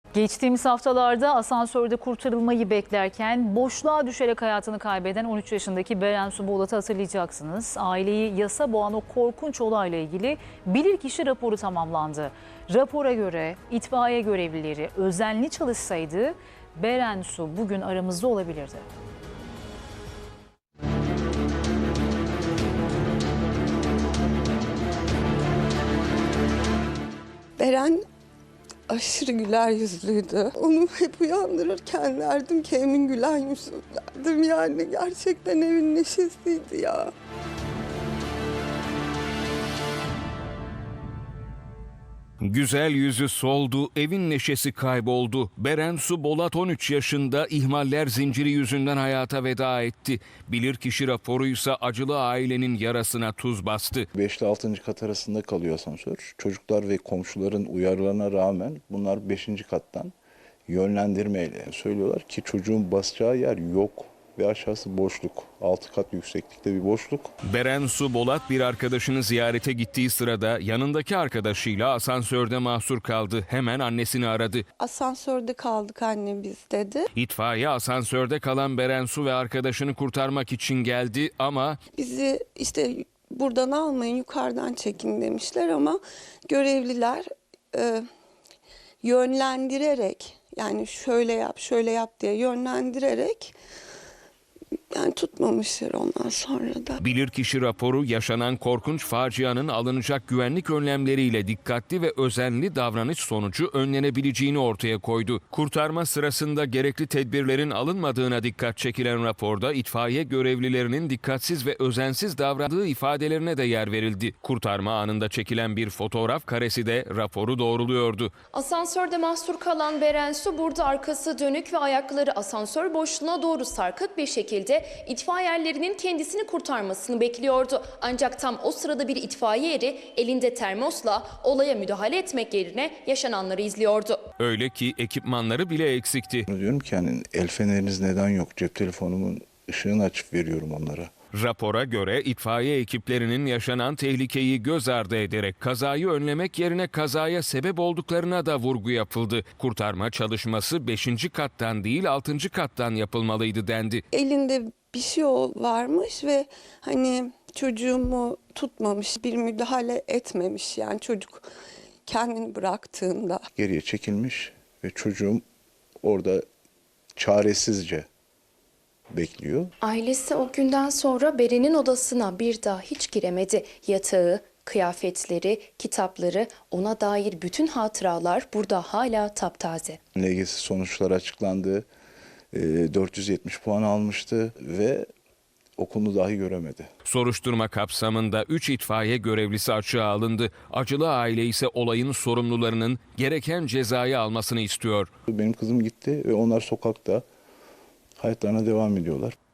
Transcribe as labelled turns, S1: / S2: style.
S1: Geçtiğimiz haftalarda asansörde kurtarılmayı beklerken boşluğa düşerek hayatını kaybeden 13 yaşındaki Beren Su Bolat'ı hatırlayacaksınız. Aileyi yasa boğan o korkunç olayla ilgili bilirkişi raporu tamamlandı. Rapora göre itfaiye görevlileri özenli çalışsaydı Beren Su bugün aramızda olabilirdi.
S2: Beren aşırı güler yüzlüydü. Onu hep uyandırırken derdim ki Emin gülen yüzlü derdim yani. Gerçekten evin neşesiydi ya.
S3: Güzel yüzü soldu, evin neşesi kayboldu. Beren Su Bolat 13 yaşında ihmaller zinciri yüzünden hayata veda etti. Bilirkişi raporuysa acılı ailenin yarasına tuz bastı.
S4: 5 ile 6. kat arasında kalıyor asansör. Çocuklar ve komşuların uyarılarına rağmen bunlar 5. kattan yönlendirmeyle söylüyorlar ki çocuğun basacağı yer yok ve aşağısı boşluk. 6 kat yükseklikte bir boşluk.
S3: Beren Su Bolat bir arkadaşını ziyarete gittiği sırada yanındaki arkadaşıyla asansörde mahsur kaldı. Hemen annesini aradı.
S2: Asansörde kaldık anne biz dedi.
S3: İtfaiye asansörde kalan Beren Su ve arkadaşını kurtarmak için geldi ama
S2: Bizi işte buradan almayın yukarıdan çekin demişler ama görevliler yönlendirerek yani şöyle yap diye yönlendirerek yani tutmamışlar ondan sonra da.
S3: bilirkişi raporu yaşanan korkunç facianın alınacak güvenlik önlemleriyle dikkatli ve özenli davranış sonucu önlenebileceğini ortaya koydu. Kurtarma sırasında gerekli tedbirlerin alınmadığına dikkat çekilen raporda itfaiye görevlilerinin dikkatsiz ve özensiz davrandığı ifadelerine de yer verildi. Kurtarma anında çekilen bir fotoğraf karesi de raporu doğruluyordu.
S5: Asansörde mahsur kalan Beren Su burada arkası dönük ve ayakları asansör boşluğuna doğru sarkık bir şekilde itfaiyelerinin kendisini kurtarmasını bekliyordu. Ancak tam o sırada bir itfaiye eri elinde termosla olaya müdahale etmek yerine yaşananları izliyordu.
S3: Öyle ki ekipmanları bile eksikti.
S4: Diyorum ki yani el feneriniz neden yok? Cep telefonumun ışığını açıp veriyorum onlara.
S3: Rapora göre itfaiye ekiplerinin yaşanan tehlikeyi göz ardı ederek kazayı önlemek yerine kazaya sebep olduklarına da vurgu yapıldı. Kurtarma çalışması 5. kattan değil 6. kattan yapılmalıydı dendi.
S2: Elinde bir şey varmış ve hani çocuğumu tutmamış, bir müdahale etmemiş yani çocuk kendini bıraktığında.
S4: Geriye çekilmiş ve çocuğum orada çaresizce bekliyor.
S5: Ailesi o günden sonra Beren'in odasına bir daha hiç giremedi. Yatağı, kıyafetleri, kitapları, ona dair bütün hatıralar burada hala taptaze.
S4: LGS sonuçları açıklandı. 470 puan almıştı ve okulunu dahi göremedi.
S3: Soruşturma kapsamında 3 itfaiye görevlisi açığa alındı. Acılı aile ise olayın sorumlularının gereken cezayı almasını istiyor.
S4: Benim kızım gitti ve onlar sokakta hayatlarına devam ediyorlar.